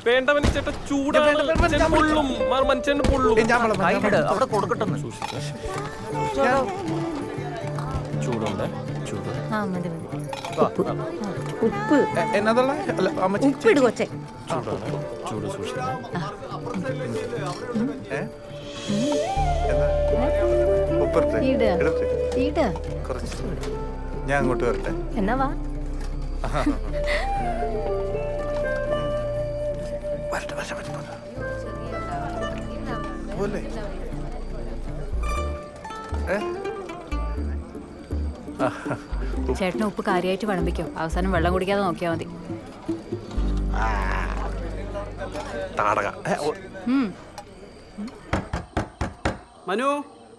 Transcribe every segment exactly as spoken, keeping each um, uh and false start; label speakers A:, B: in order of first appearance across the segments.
A: വേണ്ട മനുഷ്യട്ട ചൂടാണ് പൊള്ളും മനുഷ്യന് പൊള്ളും
B: അവിടെ കൊടുക്കട്ടെ
A: ചൂടുണ്ട് ചൂട്
C: ഉപ്പ്
D: എന്നതുള്ള
C: ഉപ്പ് ഇട് കൊച്ചേ.
A: ചൂടാണ് ചൂട് സൂക്ഷിക്കണം.
D: ഞാൻ അങ്ങോട്ട് വരട്ടെ.
C: എന്നാ വാ.
D: പോലെ
E: ചേട്ടന് ഉപ്പ് കാര്യമായിട്ട് വിളമ്പിക്കോ, അവസാനം വെള്ളം കുടിക്കാതെ നോക്കിയാൽ മതി.
D: താടക
B: മനു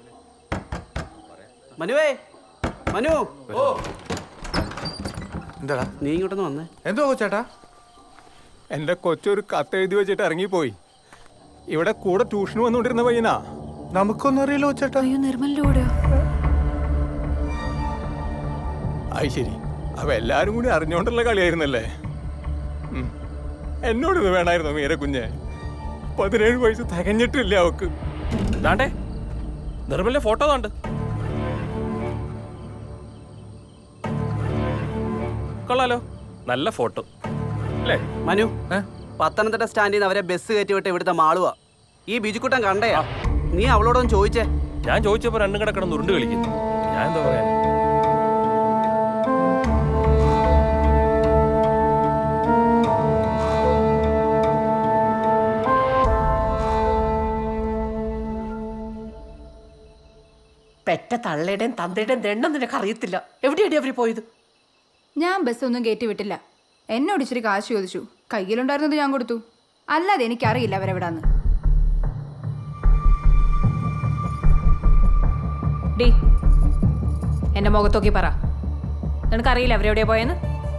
B: മനുവേ മനു ഓ
D: എന്താടാ
B: നീ ഇങ്ങോട്ടൊന്ന് വന്നേ.
D: എന്തോ ചേട്ടാ?
F: എൻ്റെ കൊച്ചൊരു കത്ത് എഴുതി വെച്ചിട്ട് ഇറങ്ങിപ്പോയി. ഇവിടെ കൂടെ ട്യൂഷന് വന്നുകൊണ്ടിരുന്ന പയ്യനാ.
D: നമുക്കൊന്നും അറിയില്ലോ ചേട്ടാ.
E: അയ്യോ, നിർമ്മലിന്റെ കൂടെയോ?
F: അത് ശരി, അവ എല്ലാരും കൂടി അറിഞ്ഞോണ്ടുള്ള കളിയായിരുന്നല്ലേ. എന്നോട് ഇത് വേണമായിരുന്നു മീര കുഞ്ഞെ. പതിനേഴ് വയസ്സ് തികഞ്ഞിട്ടില്ല അവക്ക്.
A: ദാണ്ടേ നിർമ്മലിന്റെ ഫോട്ടോ താണ്ട്. കൊള്ളാലോ, നല്ല ഫോട്ടോ അല്ലേ?
B: മനു പത്തനംതിട്ട സ്റ്റാൻഡിൽ നിന്ന് അവരെ ബസ് കയറ്റി വിട്ട് ഇവിടുത്തെ മാളുവാ. ഈ ബിജുക്കുട്ടൻ കണ്ടയാ. നീ അവളോടൊന്ന് ചോദിച്ചേ.
A: ഞാൻ ചോദിച്ചപ്പോ രണ്ടും കിടക്കണം ഉരുണ്ട് കളിക്കുന്നു. ഞാൻ എന്താ പറയാ?
C: പെറ്റ തള്ളയുടെയും തന്തയുടെയും ദണ്ണം നിനക്ക് അറിയത്തില്ല. എവിടെയാണ് അവര് പോയത്?
G: ഞാൻ ബസ്സൊന്നും കയറ്റി വിട്ടില്ല. എന്നോട് ഇച്ചിരി കാശ് ചോദിച്ചു, കയ്യിലുണ്ടായിരുന്നത് ഞാൻ കൊടുത്തു. അല്ലാതെ എനിക്കറിയില്ല അവരെവിടാന്ന്.
E: ഡി എന്റെ മുഖത്തോക്കി പറ, നിനക്കറിയില്ല അവരെവിടെയാ പോയെന്ന്?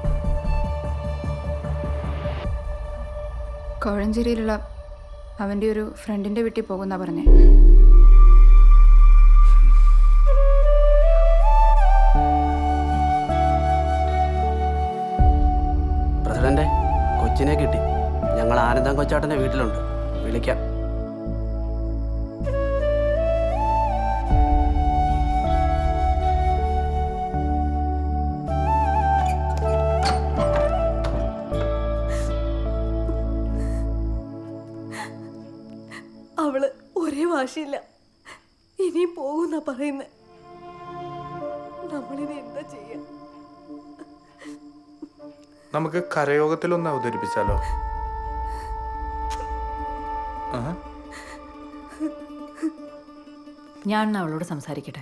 G: കോഴഞ്ചേരിയിലുള്ള അവൻ്റെ ഒരു ഫ്രണ്ടിൻ്റെ വീട്ടിൽ പോകുന്നാ പറഞ്ഞേ.
B: പ്രസിഡന്റെ കൊച്ചിനെ കിട്ടി. ഞങ്ങൾ ആനന്ദം കൊച്ചാട്ടന്റെ വീട്ടിലുണ്ട്, വിളിക്കാം.
H: അവള് ഒരേ വാശിയില്ല, ഇനിയും പോകുന്ന പറയുന്നത്. നമ്മളിനി എന്താ ചെയ്യാ?
D: നമുക്ക് കരയോഗത്തിലൊന്ന് അവതരിപ്പിച്ചാലോ?
E: ഞാൻ അവളോട് സംസാരിക്കട്ടെ.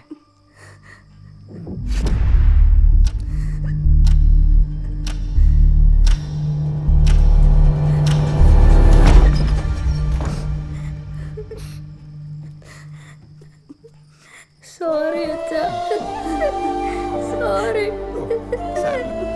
H: സോറി അച്ഛാ, സോറി.